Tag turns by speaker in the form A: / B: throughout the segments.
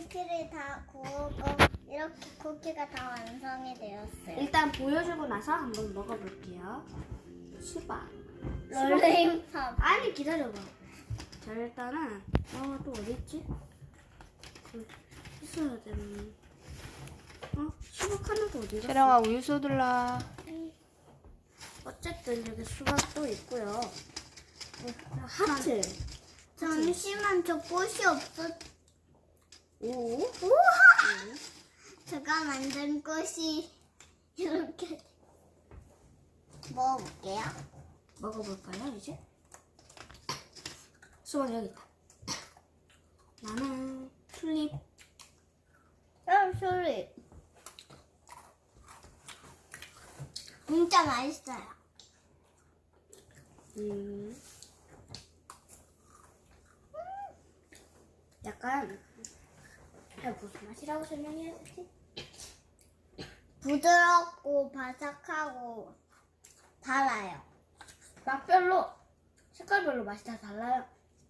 A: 쿠키를 다 구우고 이렇게 쿠키가 다 완성이 되었어요.
B: 일단 보여주고 나서 한번 먹어볼게요. 수박.
A: 롤링팝.
B: 아니 기다려봐. 자 일단은 또 어디 있지? 있어야 되는. 수박 하나도 어디 갔어?
C: 채령아 우유 쏟을라.
B: 어쨌든 여기 수박도 있고요. 하트.
A: 잠시만 저 꽃이 없어.
B: 오.
A: 우와! 제가 만든 꽃이 이렇게 먹어볼게요.
B: 먹어볼까요 이제? 수박 여기 있다. 나는 튤립.
A: 소리. 진짜 맛있어요.
B: 약간 무슨 맛이라고 설명해야 되지?
A: 부드럽고 바삭하고 달아요.
B: 맛별로 색깔별로 맛이 다 달라요.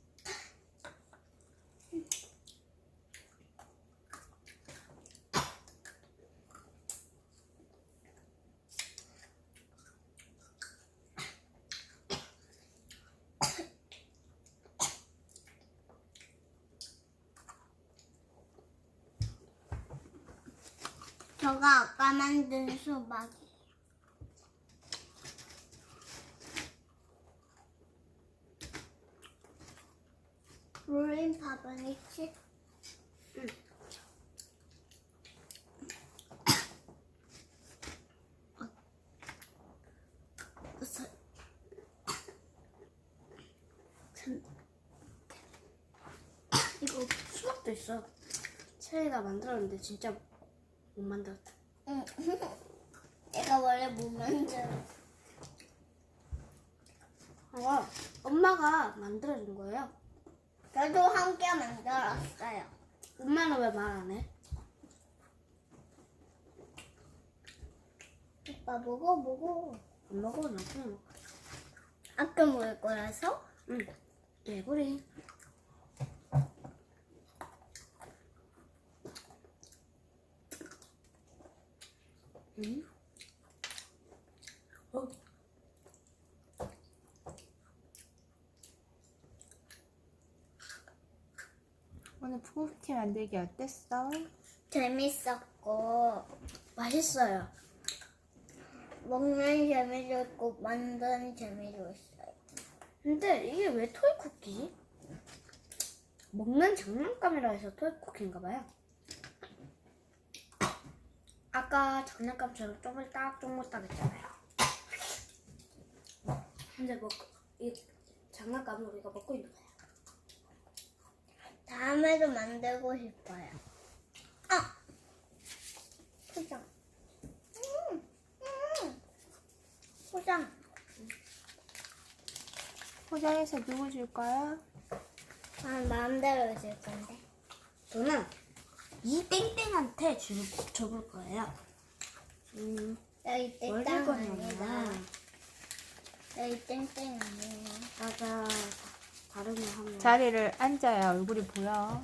A: 저가 아까 만든 수박이에요. 롤링팝은 있지?
B: 응. 이거 수박도 있어. 채리가 만들었는데 진짜 못 만들었다.
A: 응. 내가 원래 못 만들어.
B: 엄마가 만들어준 거예요.
A: 저도 함께 만들었어요.
B: 엄마는 왜 말 안 해?
A: 오빠 먹어.
B: 안 먹어, 나중에 먹어.
A: 아까 먹을 거라서?
B: 응. 개구리. 응?
C: 오늘 푸우티 만들기 어땠어?
A: 재밌었고
B: 맛있어요.
A: 먹는 재미도 있고 만드는 재미도 있어요.
B: 근데 이게 왜 토이 쿠키지? 먹는 장난감이라 해서 토이 쿠키인가 봐요. 아까 장난감처럼 쪼물딱 했잖아요. 근데 이 장난감을 우리가 먹고 있는 거예요.
A: 다음에도 만들고 싶어요. 포장. 포장.
C: 포장해서 누구 줄 거야?
A: 마음대로 줄 건데.
B: 저는 이 땡땡한테 줘볼 거예요.
A: 여기
B: 뭘
A: 땡땡
B: 줄
A: 아니다.
B: 거냐면
A: 여기 땡땡 아니에요.
B: 맞아. 다르면 하면
C: 자리를 앉아야 얼굴이 보여.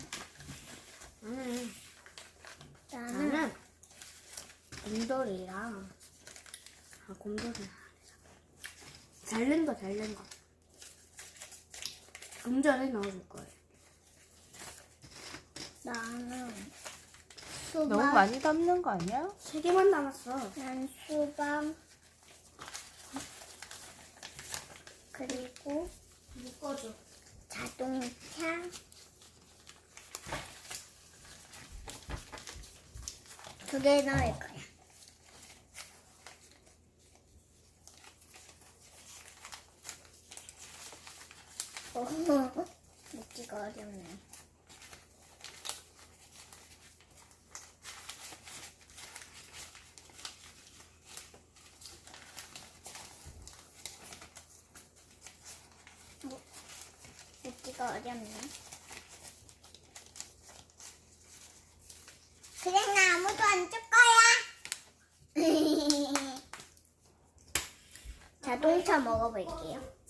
B: 나는 곰돌이랑 곰돌이 잘된 거 좀 전에 넣어줄 거예요.
A: 나는 수박.
C: 너무 많이 담는 거 아니야?
B: 3개만 남았어.
A: 난 수박. 그리고
B: 묶어줘.
A: 자동차. 두 개 넣을 거야. 먹기가 어렵네. 먹기가 어렵네. 그래, 나 아무도 안 줄 거야. 자동차 먹어볼게요.